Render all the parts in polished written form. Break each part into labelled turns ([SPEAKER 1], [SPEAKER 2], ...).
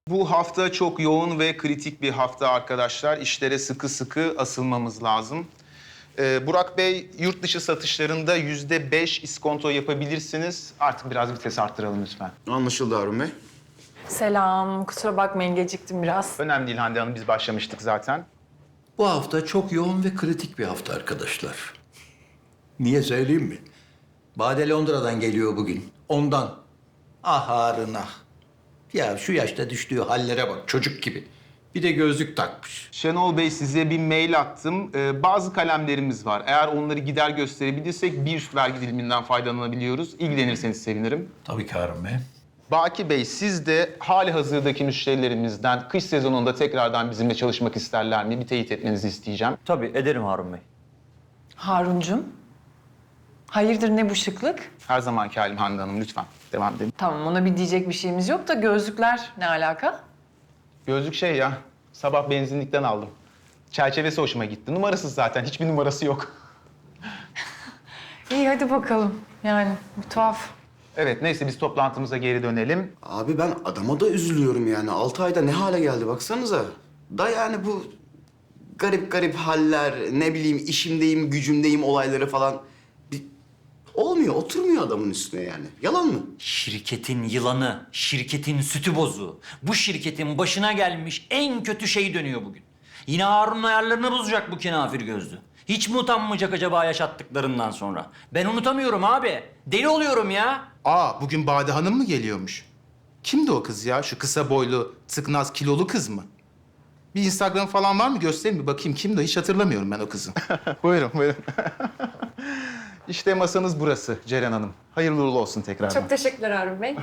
[SPEAKER 1] Bu hafta çok yoğun ve kritik bir hafta arkadaşlar. İşlere sıkı sıkı asılmamız lazım. Burak Bey, yurt dışı satışlarında %5 iskonto yapabilirsiniz. Artık biraz vites arttıralım lütfen.
[SPEAKER 2] Anlaşıldı Harun Bey.
[SPEAKER 3] Selam. Kusura bakmayın geciktim biraz.
[SPEAKER 1] Önemli değil Hande Hanım, biz başlamıştık zaten.
[SPEAKER 4] Bu hafta çok yoğun ve kritik bir hafta arkadaşlar. Niye söyleyeyim mi? Bade Londra'dan geliyor bugün. Ondan. Ah Harun ah. Ya şu yaşta düştüğü hallere bak çocuk gibi. Bir de gözlük takmış.
[SPEAKER 1] Şenol Bey, size bir mail attım. Bazı kalemlerimiz var. Eğer onları gider gösterebilirsek bir üst vergi diliminden faydalanabiliyoruz. İlgilenirseniz sevinirim.
[SPEAKER 4] Tabii ki Harun Bey.
[SPEAKER 1] Baki Bey, siz de hali hazırdaki müşterilerimizden kış sezonunda tekrardan bizimle çalışmak isterler mi? Bir teyit etmenizi isteyeceğim.
[SPEAKER 5] Tabii ederim Harun Bey.
[SPEAKER 3] Haruncum. Hayırdır ne bu şıklık?
[SPEAKER 1] Her zamanki halim Hande Hanım, lütfen devam edelim.
[SPEAKER 3] Tamam ona bir diyecek bir şeyimiz yok da gözlükler ne alaka?
[SPEAKER 1] Gözlük şey ya, sabah benzinlikten aldım. Çerçevesi hoşuma gitti. Numarasız zaten, hiçbir numarası yok.
[SPEAKER 3] İyi hadi bakalım. Yani bir tuhaf.
[SPEAKER 1] Evet, neyse biz toplantımıza geri dönelim.
[SPEAKER 2] Abi ben adama da üzülüyorum yani. 6 ayda ne hale geldi baksanıza. Da yani bu garip garip haller, ne bileyim işimdeyim, gücümdeyim olayları falan. Bir... Olmuyor, oturmuyor adamın üstüne yani. Yalan mı?
[SPEAKER 5] Şirketin yılanı, şirketin sütü bozuğu. Bu şirketin başına gelmiş en kötü şey dönüyor bugün. Yine Harun'un ayarlarını bozacak bu kenafir gözlü. Hiç mi utanmayacak acaba yaşattıklarından sonra? Ben unutamıyorum abi. Deli oluyorum ya.
[SPEAKER 1] Bugün Bade Hanım mı geliyormuş? Kimdi o kız ya? Şu kısa boylu, tıknaz, kilolu kız mı? Bir Instagram falan var mı? Göstereyim bir bakayım. Kimdi o? Hiç hatırlamıyorum ben o kızı. Buyurun, buyurun. İşte masanız burası Ceren Hanım. Hayırlı uğurlu olsun tekrardan.
[SPEAKER 3] Çok teşekkürler Harun Bey.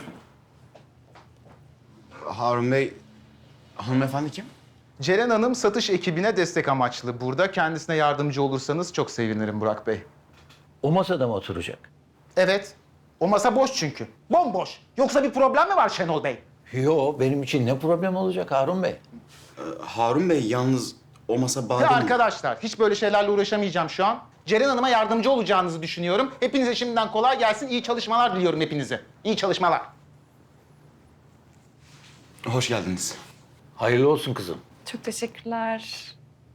[SPEAKER 2] Harun Bey, hanımefendi kim?
[SPEAKER 1] Ceren Hanım satış ekibine destek amaçlı burada. Kendisine yardımcı olursanız çok sevinirim Burak Bey.
[SPEAKER 4] O masada mı oturacak?
[SPEAKER 1] Evet. O masa boş çünkü. Bomboş. Yoksa bir problem mi var Şenol Bey?
[SPEAKER 4] Yo benim için ne problem olacak Harun Bey?
[SPEAKER 2] Harun Bey yalnız o masa Bade
[SPEAKER 1] Ya
[SPEAKER 2] mi?
[SPEAKER 1] arkadaşlar, hiç böyle şeylerle uğraşamayacağım şu an. Ceren Hanım'a yardımcı olacağınızı düşünüyorum. Hepinize şimdiden kolay gelsin. İyi çalışmalar diliyorum hepinize. İyi çalışmalar.
[SPEAKER 2] Hoş geldiniz.
[SPEAKER 4] Hayırlı olsun kızım.
[SPEAKER 3] Çok teşekkürler.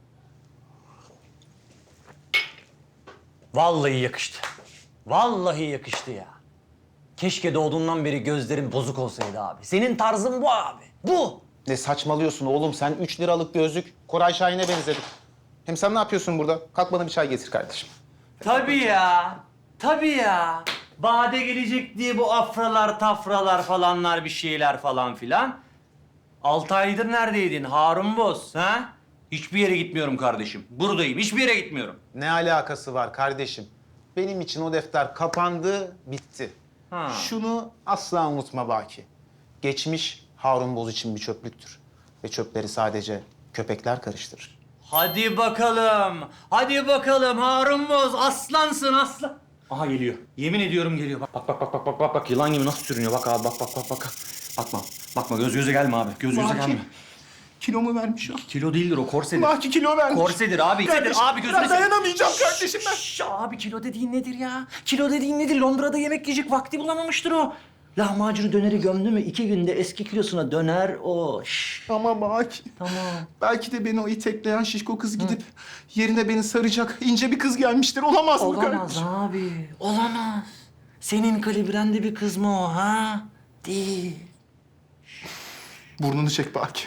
[SPEAKER 5] Vallahi yakıştı. Vallahi yakıştı ya. Keşke doğduğundan beri gözlerin bozuk olsaydı abi. Senin tarzın bu abi. Bu.
[SPEAKER 1] Ne saçmalıyorsun oğlum? Sen 3 liralık gözlük Koray Şahin'e benzedin. Hem sen ne yapıyorsun burada? Kalk bana bir çay getir kardeşim.
[SPEAKER 5] Tabii ya. Tabii ya. Bade gelecek diye bu afralar, tafralar falanlar bir şeyler falan filan. 6 aydır neredeydin Harun Boz ha? Hiçbir yere gitmiyorum kardeşim. Buradayım. Hiçbir yere gitmiyorum.
[SPEAKER 1] Ne alakası var kardeşim? Benim için o defter kapandı, bitti.
[SPEAKER 5] Ha.
[SPEAKER 1] Şunu asla unutma Baki. Geçmiş Harun Boz için bir çöplüktür. Ve çöpleri sadece köpekler karıştırır.
[SPEAKER 5] Hadi bakalım. Hadi bakalım Harun Boz. Aslansın aslan. Aha geliyor. Yemin ediyorum geliyor. Bak. Yılan gibi nasıl sürünüyor. Bak abi bak. Bakma göz göze gelme abi. Göz göze gelme.
[SPEAKER 1] Kilo mu vermiş o?
[SPEAKER 5] Kilo değildir o korsedir.
[SPEAKER 1] Baki kilo vermiş.
[SPEAKER 5] Korsedir abi.
[SPEAKER 1] Kardeşim,
[SPEAKER 5] Abi gözüne
[SPEAKER 1] ben dayanamayacağım kardeşim ben.
[SPEAKER 5] Şşş, abi kilo dediğin nedir ya? Kilo dediğin nedir? Londra'da yemek yiyecek vakti bulamamıştır o. Lahmacunu döneri gömdü mü 2 günde eski kilosuna döner o. Şşş.
[SPEAKER 1] Ama Baki.
[SPEAKER 5] Tamam.
[SPEAKER 1] Belki de beni o itekleyen şişko kız gidip yerine beni saracak ince bir kız gelmiştir. Olamaz mı
[SPEAKER 5] Olamaz
[SPEAKER 1] kardeşim?
[SPEAKER 5] abi. Olamaz. Senin kalibrende bir kız mı o ha? Değil.
[SPEAKER 1] Burnunu çek Baki.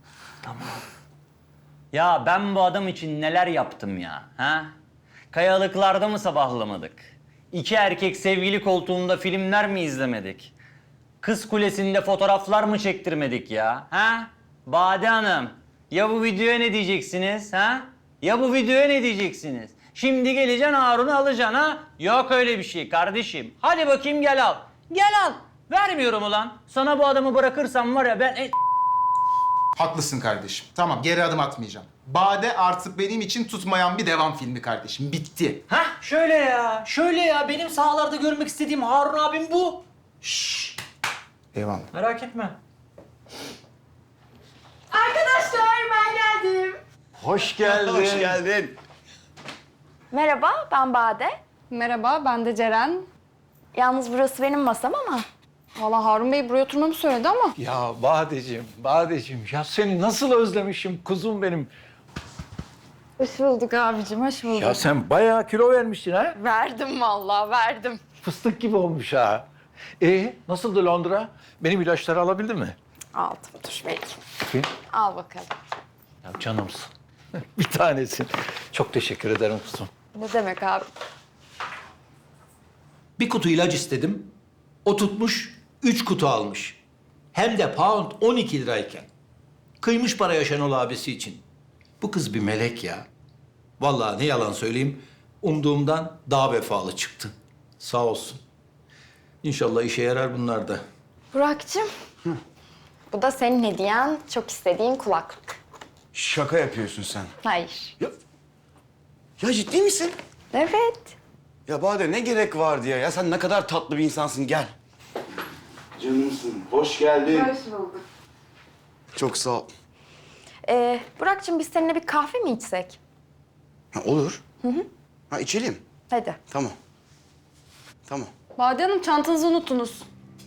[SPEAKER 5] Ya ben bu adam için neler yaptım ya, ha? Kayalıklarda mı sabahlamadık? 2 erkek sevgili koltuğunda filmler mi izlemedik? Kız Kulesi'nde fotoğraflar mı çektirmedik ya, ha? Bade Hanım, ya bu videoya ne diyeceksiniz, ha? Ya bu videoya ne diyeceksiniz? Şimdi geleceksin Harun'u alacaksın, ha? Yok öyle bir şey kardeşim. Hadi bakayım gel al. Gel al. Vermiyorum ulan. Sana bu adamı bırakırsam var ya ben...
[SPEAKER 1] Haklısın kardeşim. Tamam, geri adım atmayacağım. Bade artık benim için tutmayan bir devam filmi kardeşim. Bitti.
[SPEAKER 5] Hah şöyle ya benim sahalarda görmek istediğim Harun abim bu. Şşş
[SPEAKER 1] Devam.
[SPEAKER 5] merak etme.
[SPEAKER 3] Arkadaşlar ben geldim.
[SPEAKER 4] Hoş geldin.
[SPEAKER 2] Hoş geldin.
[SPEAKER 6] Merhaba, ben Bade.
[SPEAKER 7] Merhaba, ben de Ceren.
[SPEAKER 6] Yalnız burası benim masam ama Vallahi Harun Bey buraya oturmamı söyledi ama.
[SPEAKER 4] Ya Badeciğim ya seni nasıl özlemişim kuzum benim.
[SPEAKER 6] Hoş bulduk abicim, hoş bulduk.
[SPEAKER 4] Ya sen bayağı kilo vermişsin ha.
[SPEAKER 6] Verdim vallahi, verdim.
[SPEAKER 4] Fıstık gibi olmuş ha. Nasıldı Londra? Benim ilaçları alabildin mi?
[SPEAKER 6] Aldım, dur belki.
[SPEAKER 4] Bakayım.
[SPEAKER 6] Al bakalım.
[SPEAKER 4] Ya canımsın. Bir tanesin. Çok teşekkür ederim kuzum.
[SPEAKER 6] Ne demek abi?
[SPEAKER 4] Bir kutu ilaç istedim. O tutmuş 3 kutu almış. Hem de pound 12 lirayken. Kıymış paraya Şenol abisi için. Bu kız bir melek ya. Vallahi ne yalan söyleyeyim. Umduğumdan daha vefalı çıktı. Sağ olsun. İnşallah işe yarar bunlar da.
[SPEAKER 6] Burak'cığım. Bu da senin hediyen, çok istediğin kulaklık.
[SPEAKER 2] Şaka yapıyorsun sen.
[SPEAKER 6] Hayır.
[SPEAKER 2] Ya ciddi misin?
[SPEAKER 6] Evet.
[SPEAKER 2] Ya Bade ne gerek vardı ya? Ya sen ne kadar tatlı bir insansın. Gel. Canımsın. Hoş geldin.
[SPEAKER 6] Hoş bulduk.
[SPEAKER 2] Çok sağ ol.
[SPEAKER 6] Burak'cığım biz seninle bir kahve mi içsek?
[SPEAKER 2] Ha, olur. Ha içelim.
[SPEAKER 6] Hadi.
[SPEAKER 2] Tamam. Tamam.
[SPEAKER 6] Bade Hanım çantanızı unuttunuz.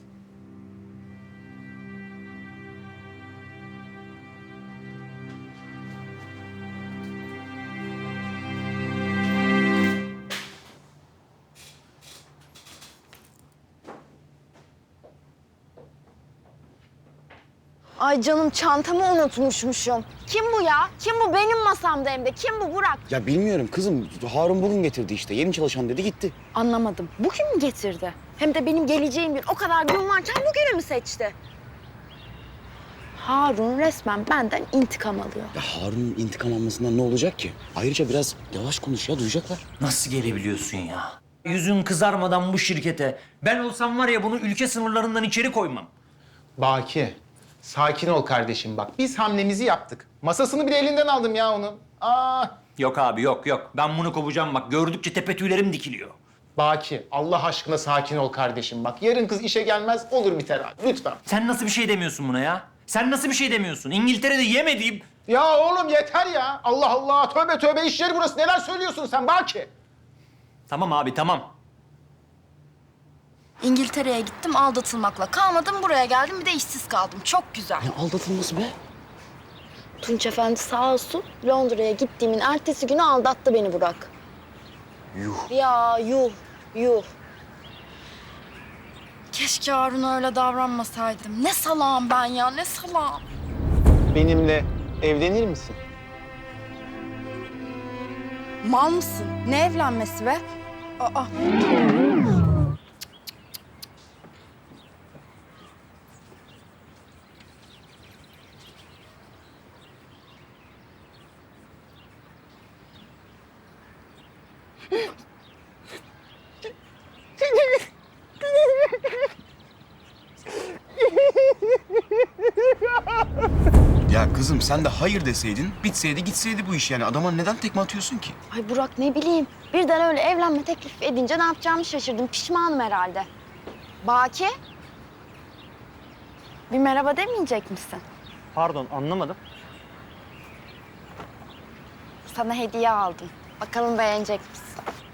[SPEAKER 7] Ay canım çantamı unutmuşmuşum. Kim bu ya? Kim bu? Benim masamda hem de. Kim bu Burak?
[SPEAKER 2] Ya bilmiyorum kızım. Harun bugün getirdi işte. Yeni çalışan dedi gitti.
[SPEAKER 7] Anlamadım. Bugün mü getirdi? Hem de benim geleceğim gün o kadar gün varken bugünü mü seçti? Harun resmen benden intikam alıyor.
[SPEAKER 2] Ya Harun'un intikam almasından ne olacak ki? Ayrıca biraz yavaş konuş ya duyacaklar.
[SPEAKER 5] Nasıl gelebiliyorsun ya? Yüzün kızarmadan bu şirkete. Ben olsam var ya bunu ülke sınırlarından içeri koymam.
[SPEAKER 1] Baki, sakin ol kardeşim bak. Biz hamlemizi yaptık. Masasını bile elinden aldım ya onun.
[SPEAKER 5] Yok abi yok. Ben bunu kovacağım bak. Gördükçe tepe tüylerim dikiliyor.
[SPEAKER 1] Baki, Allah aşkına sakin ol kardeşim bak. Yarın kız işe gelmez, olur biter abi. Lütfen.
[SPEAKER 5] Sen nasıl bir şey demiyorsun buna ya? Sen nasıl bir şey demiyorsun? İngiltere'de yemediğim...
[SPEAKER 1] Ya oğlum yeter ya. Allah Allah, tövbe tövbe iş yeri burası. Neler söylüyorsun sen Baki?
[SPEAKER 5] Tamam abi tamam.
[SPEAKER 7] İngiltere'ye gittim aldatılmakla. Kalmadım buraya geldim bir de işsiz kaldım. Çok güzel.
[SPEAKER 2] Ne aldatılması be?
[SPEAKER 7] Tunç Efendi sağ olsun Londra'ya gittiğimin ertesi günü aldattı beni Burak.
[SPEAKER 2] Yuh.
[SPEAKER 7] Ya yuh. Keşke Harun'a öyle davranmasaydım. Ne salağım ben ya, ne salağım.
[SPEAKER 1] Benimle evlenir misin?
[SPEAKER 7] Mal mısın? Ne evlenmesi be? Aa.
[SPEAKER 2] Ya kızım sen de hayır deseydin, bitseydi gitseydi bu iş yani. Adama neden tekme atıyorsun ki?
[SPEAKER 7] Ay Burak ne bileyim. Birden öyle evlenme teklif edince ne yapacağımı şaşırdım. Pişmanım herhalde. Baki? Bir merhaba demeyecek misin?
[SPEAKER 5] Pardon anlamadım.
[SPEAKER 7] Sana hediye aldım. Bakalım beğenecek misin?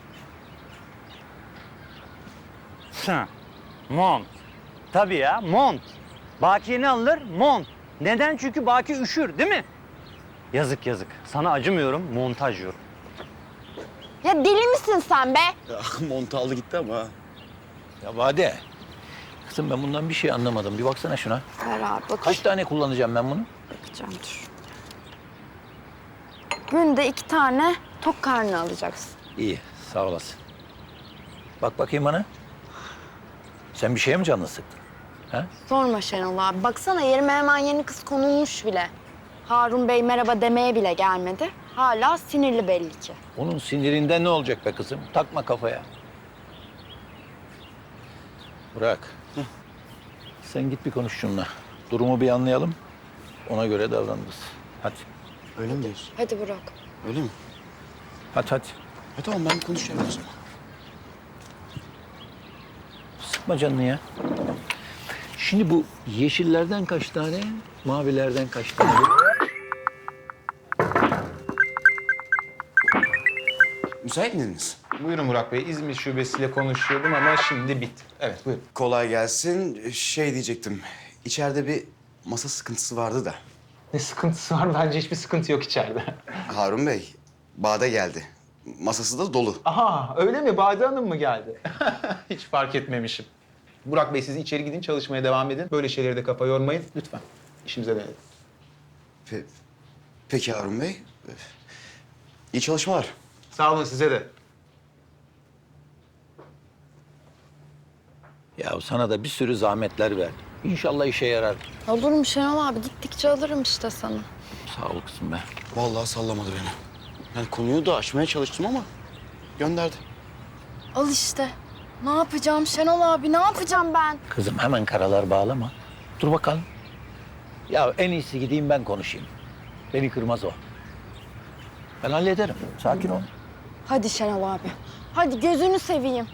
[SPEAKER 5] Ha, mont. Tabii ya, mont. Bakiye ne alınır? Mont. Neden? Çünkü Baki üşür, değil mi? Yazık. Sana acımıyorum, montaj yiyorum.
[SPEAKER 7] Ya deli misin sen be?
[SPEAKER 2] Montu aldı gitti ama.
[SPEAKER 4] Ya Bade. Kızım ben bundan bir şey anlamadım. Bir baksana şuna.
[SPEAKER 7] Ver abi bak.
[SPEAKER 4] Kaç tane kullanacağım ben bunu?
[SPEAKER 7] Bakacağım dur. Günde 2 tane tok karnı alacaksın.
[SPEAKER 4] İyi, sağ olasın. Bak bakayım bana. Sen bir şeye mi canını sıktın? Ha?
[SPEAKER 7] Sorma Şenol abi. Baksana yerime hemen yeni kız konulmuş bile. Harun Bey merhaba demeye bile gelmedi. Hala sinirli belli ki.
[SPEAKER 4] Onun sinirinden ne olacak be kızım? Takma kafaya. Bırak. Sen git bir konuş şununla. Durumu bir anlayalım. Ona göre davranırız. Hadi.
[SPEAKER 2] Öyle mi diyorsun?
[SPEAKER 7] Hadi Burak.
[SPEAKER 2] Öyle mi?
[SPEAKER 4] Hadi.
[SPEAKER 2] Tamam ben konuşacağım o zaman.
[SPEAKER 4] Sıkma canını ya. Şimdi bu yeşillerden kaç tane, mavilerden kaç tane?
[SPEAKER 2] Müsait miydiniz?
[SPEAKER 1] Buyurun Burak Bey. İzmir şubesiyle konuşuyordum ama şimdi bitti. Evet, buyurun.
[SPEAKER 2] Kolay gelsin. Şey diyecektim. İçeride bir masa sıkıntısı vardı da.
[SPEAKER 1] Ne sıkıntısı var? Bence hiçbir sıkıntı yok içeride.
[SPEAKER 2] Harun Bey, Bade geldi. Masası da dolu.
[SPEAKER 1] Aha, öyle mi? Bade Hanım mı geldi? Hiç fark etmemişim. Burak Bey, siz içeri gidin, çalışmaya devam edin. Böyle şeyleri de kafa yormayın. Lütfen. İşimize dönelim.
[SPEAKER 2] Peki Harun Bey. İyi çalışmalar.
[SPEAKER 1] Sağ olun, size de.
[SPEAKER 4] Ya sana da bir sürü zahmetler verdim. İnşallah işe yarar.
[SPEAKER 7] Olur mu Şenol abi? Gittikçe alırım işte sana.
[SPEAKER 4] Sağ ol kızım be.
[SPEAKER 2] Vallahi sallamadı beni. Yani konuyu da açmaya çalıştım ama gönderdi.
[SPEAKER 7] Al işte. Ne yapacağım Şenol abi? Ne yapacağım ben?
[SPEAKER 4] Kızım hemen karalar bağlama. Dur bakalım. Ya en iyisi gideyim ben konuşayım. Beni kırmaz o. Ben hallederim. Sakin ol.
[SPEAKER 7] Hadi Şenol abi. Hadi gözünü seveyim.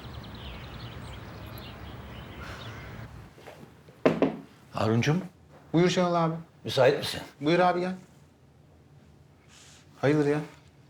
[SPEAKER 4] Haruncum,
[SPEAKER 1] Buyur Şenol abi.
[SPEAKER 4] müsait misin?
[SPEAKER 1] Buyur abi, gel. Hayırdır ya?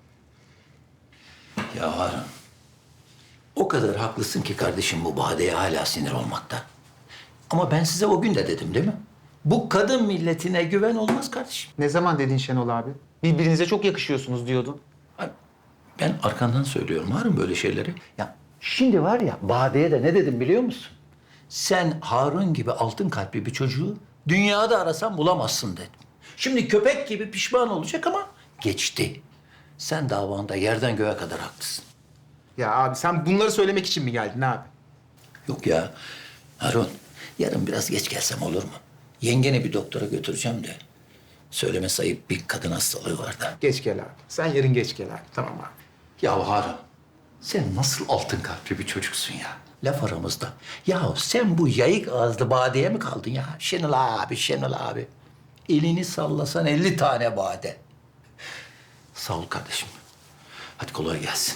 [SPEAKER 4] Ya Harun, o kadar haklısın ki kardeşim bu Bade'ye hala sinir olmakta. Ama ben size o gün de dedim değil mi? Bu kadın milletine güven olmaz kardeşim.
[SPEAKER 1] Ne zaman dedin Şenol abi? Birbirinize çok yakışıyorsunuz diyordun.
[SPEAKER 4] Ben arkandan söylüyorum Harun böyle şeyleri. Ya şimdi var ya Bade'ye de ne dedim biliyor musun? Sen Harun gibi altın kalpli bir çocuğu dünyada arasan bulamazsın dedim. Şimdi köpek gibi pişman olacak ama geçti. Sen davanda yerden göğe kadar haklısın.
[SPEAKER 1] Ya abi, sen bunları söylemek için mi geldin abi?
[SPEAKER 4] Yok ya Harun, yarın biraz geç gelsem olur mu? Yengeni bir doktora götüreceğim de. Söylemesi ayıp bir kadın hastalığı var da.
[SPEAKER 1] Geç gel abi. Sen yarın geç gel abi. Tamam abi.
[SPEAKER 4] Ya Harun, sen nasıl altın kalpli bir çocuksun ya? Laf aramızda. Ya sen bu yayık ağızlı badeye mi kaldın ya? Şenol abi, Şenol abi. Elini sallasan 50 tane bade. Sağ ol kardeşim. Hadi kolay gelsin.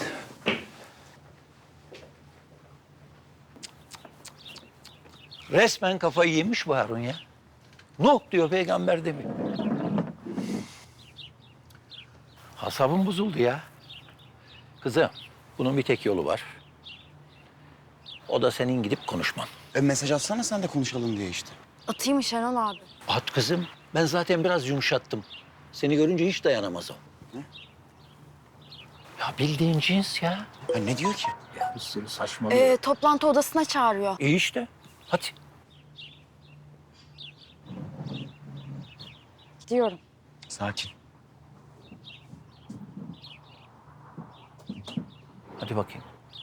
[SPEAKER 4] Resmen kafayı yemiş bu Harun ya. Nuh diyor peygamber demiyor. Asabım bozuldu ya. Kızım, bunun bir tek yolu var. O da senin gidip konuşman.
[SPEAKER 2] Mesaj atsana sen de konuşalım diye işte.
[SPEAKER 7] Atayım mı Şenol abi?
[SPEAKER 4] At kızım. Ben zaten biraz yumuşattım. Seni görünce hiç dayanamaz o. Ya bildiğin cins ya.
[SPEAKER 2] Ha, ne diyor ki?
[SPEAKER 4] Ya bir sürü saçmalıyor.
[SPEAKER 7] Toplantı odasına çağırıyor.
[SPEAKER 4] İyi işte. Hadi.
[SPEAKER 7] Gidiyorum.
[SPEAKER 2] Sakin.
[SPEAKER 4] Hadi bakayım.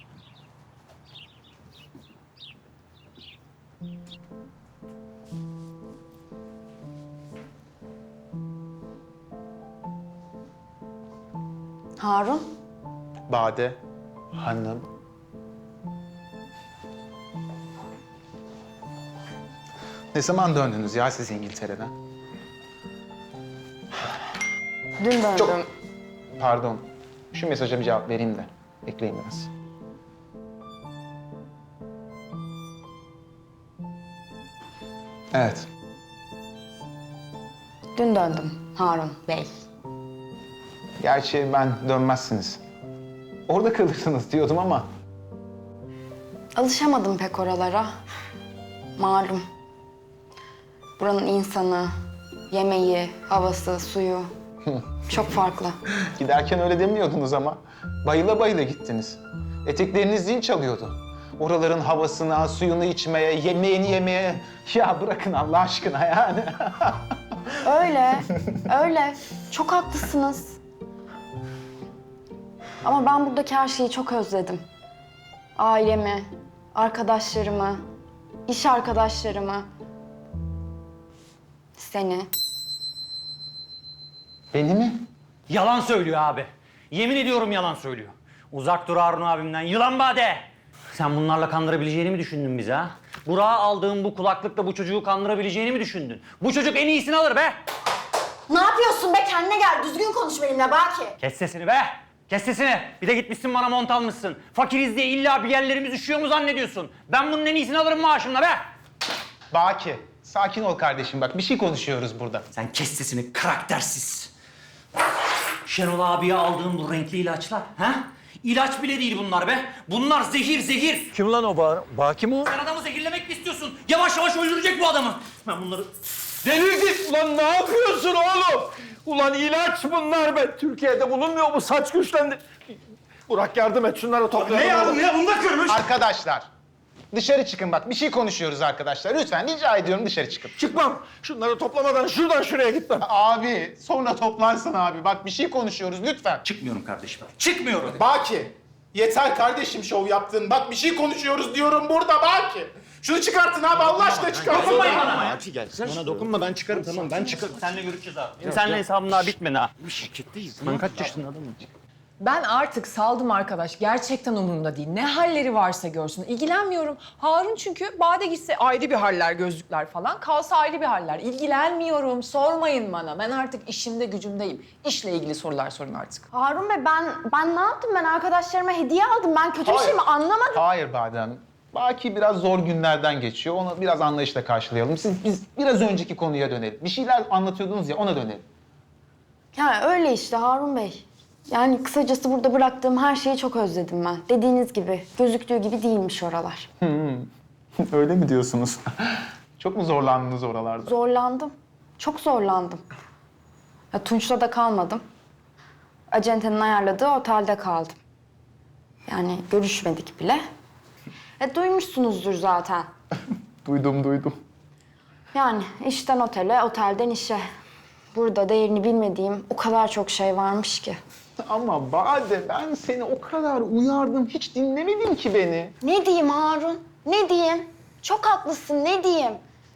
[SPEAKER 7] Harun.
[SPEAKER 1] Bade Hanım. Ne zaman döndünüz ya siz İngiltere'den?
[SPEAKER 7] Dün döndüm.
[SPEAKER 1] Çok... Pardon. Şu mesaja bir cevap vereyim de. Bekleyin biraz. Evet.
[SPEAKER 7] Dün döndüm Harun Bey.
[SPEAKER 1] Gerçi ben dönmezsiniz. Orada kalırsınız diyordum ama...
[SPEAKER 7] Alışamadım pek oralara. Malum. Buranın insanı, yemeği, havası, suyu çok farklı.
[SPEAKER 1] Giderken öyle demiyordunuz ama. Bayıla bayıla gittiniz. Etekleriniz zil çalıyordu. Oraların havasına, suyunu içmeye, yemeğini yemeye... Ya bırakın Allah aşkına yani.
[SPEAKER 7] Öyle, öyle. Çok haklısınız. Ama ben buradaki her şeyi çok özledim. Ailemi, arkadaşlarımı, iş arkadaşlarımı, seni.
[SPEAKER 1] Beni mi?
[SPEAKER 5] Yalan söylüyor abi. Yemin ediyorum yalan söylüyor. Uzak dur Harun abimden. Yılan Bade! Sen bunlarla kandırabileceğini mi düşündün bizi ha? Burak'a aldığın bu kulaklıkla bu çocuğu kandırabileceğini mi düşündün? Bu çocuk en iyisini alır be!
[SPEAKER 7] Ne yapıyorsun be? Kendine gel. Düzgün konuş benimle Baki.
[SPEAKER 5] Kes sesini be! Kes sesini! Bir de gitmişsin bana mont almışsın. Fakiriz diye illa bir yerlerimiz üşüyor mu zannediyorsun? Ben bunun en iyisini alırım maaşımla be!
[SPEAKER 1] Baki, sakin ol kardeşim bak. Bir şey konuşuyoruz burada.
[SPEAKER 5] Sen kes sesini karaktersiz. Şenol abiye aldığın bu renkli ilaçlar, ha? İlaç bile değil bunlar be. Bunlar zehir zehir.
[SPEAKER 4] Kim lan o Baki mi o?
[SPEAKER 5] Sen adamı zehirlemek mi istiyorsun? Yavaş yavaş öldürecek bu adamı. Ben bunları...
[SPEAKER 4] Delirdin! Ulan ne yapıyorsun oğlum? Ulan ilaç bunlar be. Türkiye'de bulunmuyor mu? Saç güçlendi. Burak yardım et şunları toplayalım.
[SPEAKER 5] Ne yardım ya? Bunu da kırmış.
[SPEAKER 1] Arkadaşlar, dışarı çıkın bak. Bir şey konuşuyoruz arkadaşlar. Lütfen rica ediyorum dışarı çıkın.
[SPEAKER 4] Çıkmam. Şunları toplamadan şuradan şuraya gitmem.
[SPEAKER 1] Abi, sonra toplarsın abi. Bak bir şey konuşuyoruz lütfen.
[SPEAKER 5] Çıkmıyorum kardeşim. Çıkmıyorum.
[SPEAKER 1] Baki, yeter kardeşim şov yaptın. Bak bir şey konuşuyoruz diyorum burada Baki. Şunu çıkartın abi Allah aşkına çıkartın.
[SPEAKER 5] Dokunmayın bana.
[SPEAKER 2] Abi gel. Bana dokunma ben çıkarım tamam ben çıkarım.
[SPEAKER 5] Seninle görüşeceğiz abi. Benim seninle hesabım daha bitmedi ha.
[SPEAKER 2] Şirketteyiz. Ben kaç yaşında adamım?
[SPEAKER 3] Ben artık saldım arkadaş. Gerçekten umurumda değil. Ne halleri varsa görsün. İlgilenmiyorum. Harun çünkü Bade gitse ayrı bir haller, gözlükler falan. Kalsa ayrı bir haller. İlgilenmiyorum. Sormayın bana. Ben artık işimde gücümdeyim. İşle ilgili sorular sorun artık.
[SPEAKER 7] Harun Bey ben ne yaptım? Ben arkadaşlarıma hediye aldım. Ben kötü bir şey mi anlamadım.
[SPEAKER 1] Hayır Bade Hanım. Baki biraz zor günlerden geçiyor. Onu biraz anlayışla karşılayalım. Biz biraz önceki konuya dönelim. Bir şeyler anlatıyordunuz ya ona dönelim.
[SPEAKER 7] Ya öyle işte Harun Bey. Yani kısacası burada bıraktığım her şeyi çok özledim ben. Dediğiniz gibi, gözüktüğü gibi değilmiş oralar.
[SPEAKER 1] Öyle mi diyorsunuz? Çok mu zorlandınız oralarda?
[SPEAKER 7] Zorlandım. Çok zorlandım. Ya Tunç'la da kalmadım. Acentenin ayarladığı otelde kaldım. Yani görüşmedik bile. Duymuşsunuzdur zaten.
[SPEAKER 1] Duydum.
[SPEAKER 7] Yani işten otele, otelden işe. Burada değerini bilmediğim o kadar çok şey varmış ki.
[SPEAKER 1] Ama Bade ben seni o kadar uyardım. Hiç dinlemedin ki beni.
[SPEAKER 7] Ne diyeyim Harun? Ne diyeyim? Çok haklısın, ne diyeyim?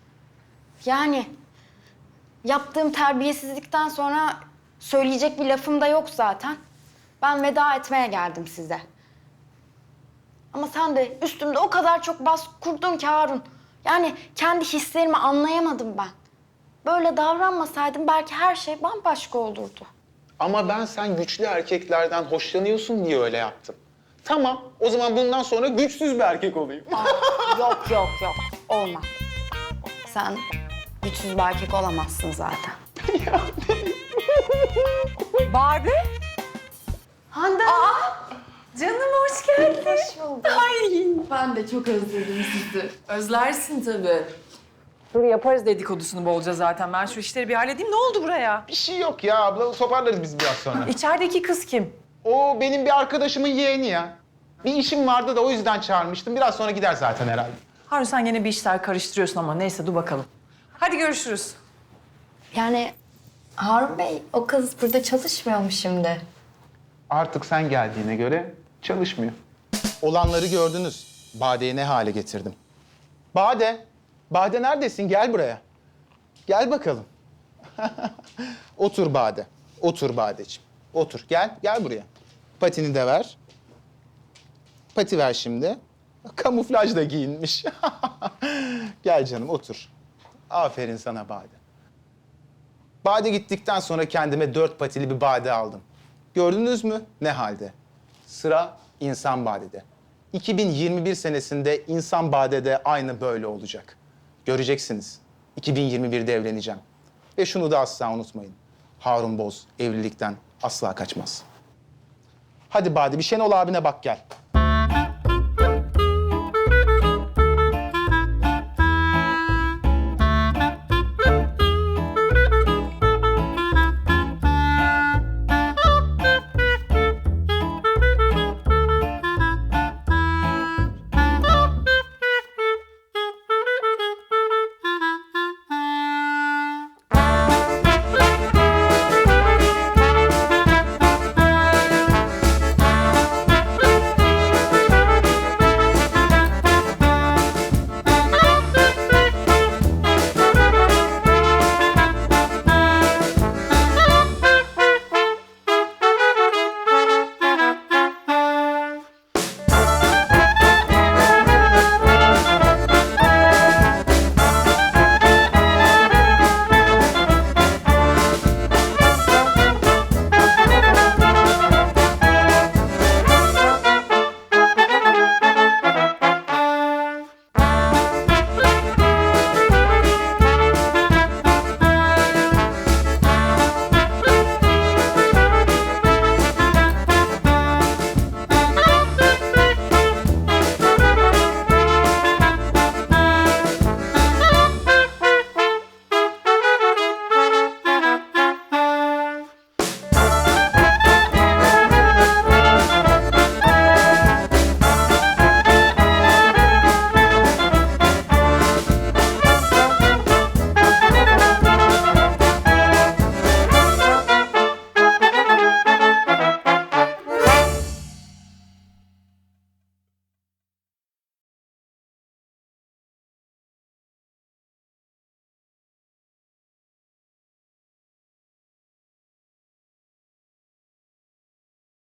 [SPEAKER 7] Yani yaptığım terbiyesizlikten sonra söyleyecek bir lafım da yok zaten. Ben veda etmeye geldim size. Ama sen de üstümde o kadar çok baskı kurdun ki Harun. Yani kendi hislerimi anlayamadım ben. Böyle davranmasaydım belki her şey bambaşka olurdu.
[SPEAKER 1] Ama ben sen güçlü erkeklerden hoşlanıyorsun diye öyle yaptım. Tamam, o zaman bundan sonra güçsüz bir erkek olayım.
[SPEAKER 7] Yok. Olmaz. Sen güçsüz bir erkek olamazsın zaten.
[SPEAKER 3] Bade?
[SPEAKER 7] Hande.
[SPEAKER 3] Canım hoş geldin.
[SPEAKER 7] Hoş bulduk.
[SPEAKER 3] Ay ben de çok özledim sizi. Özlersin tabii. Dur yaparız dedikodusunu bolca zaten. Ben şu işleri bir halledeyim. Ne oldu buraya?
[SPEAKER 1] Bir şey yok ya abla, toparlarız biz biraz sonra.
[SPEAKER 3] İçerideki kız kim?
[SPEAKER 1] O benim bir arkadaşımın yeğeni ya. Bir işim vardı da o yüzden çağırmıştım. Biraz sonra gider zaten herhalde.
[SPEAKER 3] Harun sen gene bir işler karıştırıyorsun ama neyse dur bakalım. Hadi görüşürüz.
[SPEAKER 7] Yani Harun Bey o kız burada çalışmıyor mu şimdi?
[SPEAKER 1] Artık sen geldiğine göre çalışmıyor. Olanları gördünüz. Bade'yi ne hale getirdim. Bade neredesin? Gel buraya. Gel bakalım. Otur Bade. Otur Badeciğim. Otur. Gel buraya. Patini de ver. Pati ver şimdi. Kamuflajla giyinmiş. Gel canım otur. Aferin sana Bade. Bade gittikten sonra kendime 4 patili bir Bade aldım. Gördünüz mü ne halde? Sıra insan Bade'de. 2021 senesinde insan Bade'de aynı böyle olacak. Göreceksiniz. 2021'de evleneceğim. Ve şunu da asla unutmayın. Harun Boz evlilikten asla kaçmaz. Hadi Bade bir Şenol abine bak gel.